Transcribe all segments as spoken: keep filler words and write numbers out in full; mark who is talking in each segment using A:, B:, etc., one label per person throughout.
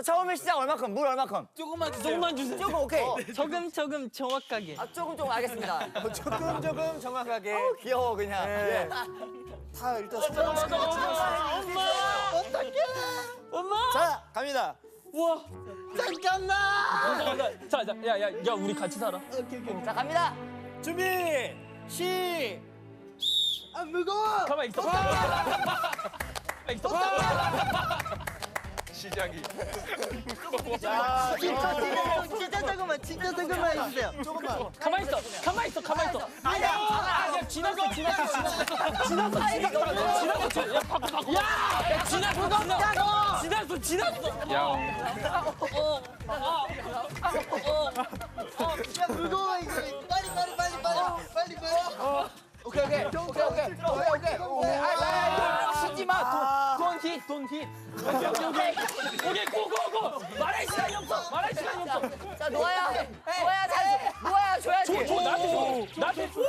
A: 처음에 시작 얼마큼? 물 얼마큼?
B: 조금만 주세요.
C: 조금만 주세요.
A: 조금 오케이.
C: 조금 조금 정확하게.
A: 아 조금 조금 알겠습니다.
D: 조금 조금 정확하게.
A: 어, 귀여워 그냥.
D: 네.
A: 예.
D: 다 일단 손가락
C: 엄마. 어떡해. 엄마.
D: 자, 갑니다.
C: 우와.
B: 잠깐만.
C: 자, 자, 야, 야, 야, 우리 같이 살아.
A: 자 갑니다.
D: 준비. 시.
B: 아 무거워.
C: 가만 있어. 가만 있어.
E: 시작이.
D: 자,
B: 진짜 진짜 조금만 진짜 조금만 해주세요.
D: 조금만.
C: 가만 있어. 가만 있어. 가만 있어. 아니야. 야, 지났어. 지났어. 지났어. 지났어. 지났어. 지났어. 야, 바꿔 바꿔. 야, 야, 지났어. 지났어. 지났어. 지났어.
E: 야.
B: 야 무거워 이거. 빨리 빨리 빨리 빨리 빨리 빨리.
A: 오케이 오케이 오케이 오케이 오케이 오케이 오케이. 아아 쉬지 마. 돈 힛, 돈 힛.
C: 오케이, 오케이. 오케이, 고고고. 말할 시간이 없어. 말할 시간이 없어.
A: 자 노아야, 노아야 잘 줘. 노아야 줘야지.
C: 줘, 나한테 줘. 나한테 줘.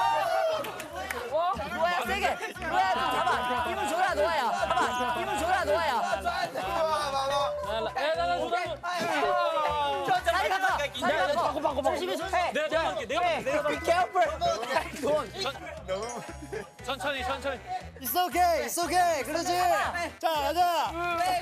A: 노아야 세게. 노아야 좀 잡아. 힘을 줘라 노아야. 잡아. 힘을 줘라 노아야.
C: 야, 나, 나, 나.
A: 자리 바꿔. 자리
C: 야, 야,
A: 바꿔.
C: 바꿔, 바꿔, 바꿔.
A: 조심히 조심히.
C: 내가 내가 할게. 내가 할게. 내가
A: Be careful. 돈.
C: 천천히, 천천히.
D: It's okay. It's okay. 그렇지. 자, 가자.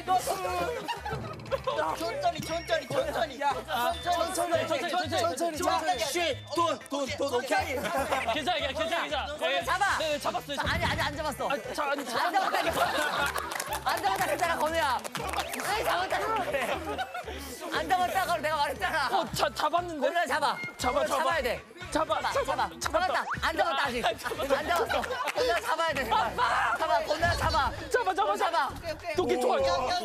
B: 천천히 천천히 천천히. 야 천천히
C: 천천히, 천천히.
D: 천천히.
B: 쉿돈돈돈 오케이.
C: 괜찮아, 괜찮아, 괜찮아. 예,
A: 잡아.
C: 네, 네, 잡았어요. 잡-
A: 아니 아니 안 잡았어.
C: 아, 자, 아니,
A: 안
C: 잡-
A: 잡았다니까. 안 잡았다 그랬잖아 건우야. 아니 잡았다고 그래. 안 잡았다고 내가 말했잖아.
C: 어, 자, 잡았는데.
A: 건우야 잡아.
C: 잡아,
A: 건우야
C: 잡아.
A: 잡아야 돼.
C: 잡아,
A: 잡아 잡아. 잡았다. 안 잡았다 아직. 안 잡았어. 건우야 잡아야 돼. 잡아 건우야 잡아.
C: 잡아, 잡아, 잡아. 도끼 좋아.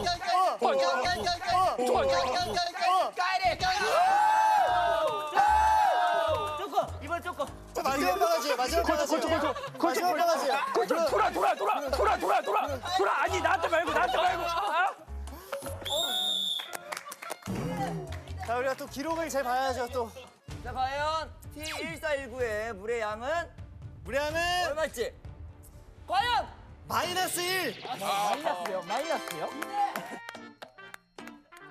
A: 조금 이번 조금.
D: 자, 마지막 바가지. 마지막 바가지.
C: 걸쳐, 걸쳐, 걸쳐,
D: 마지막 바가지.
C: 걸쳐. 돌아, 돌아, 돌아, 돌아, 돌아, 돌아, 돌아. 아니, 나한테 말고, 나한테 말고. 아?
D: 자, 우리가 또 기록을 잘 봐야죠, 또.
A: 자 과연 티 일사일구의 물의 양은
D: 무례함은
A: 얼마일지? 과연
D: 마이너스 일.
A: 마이너스요? 마이너스요?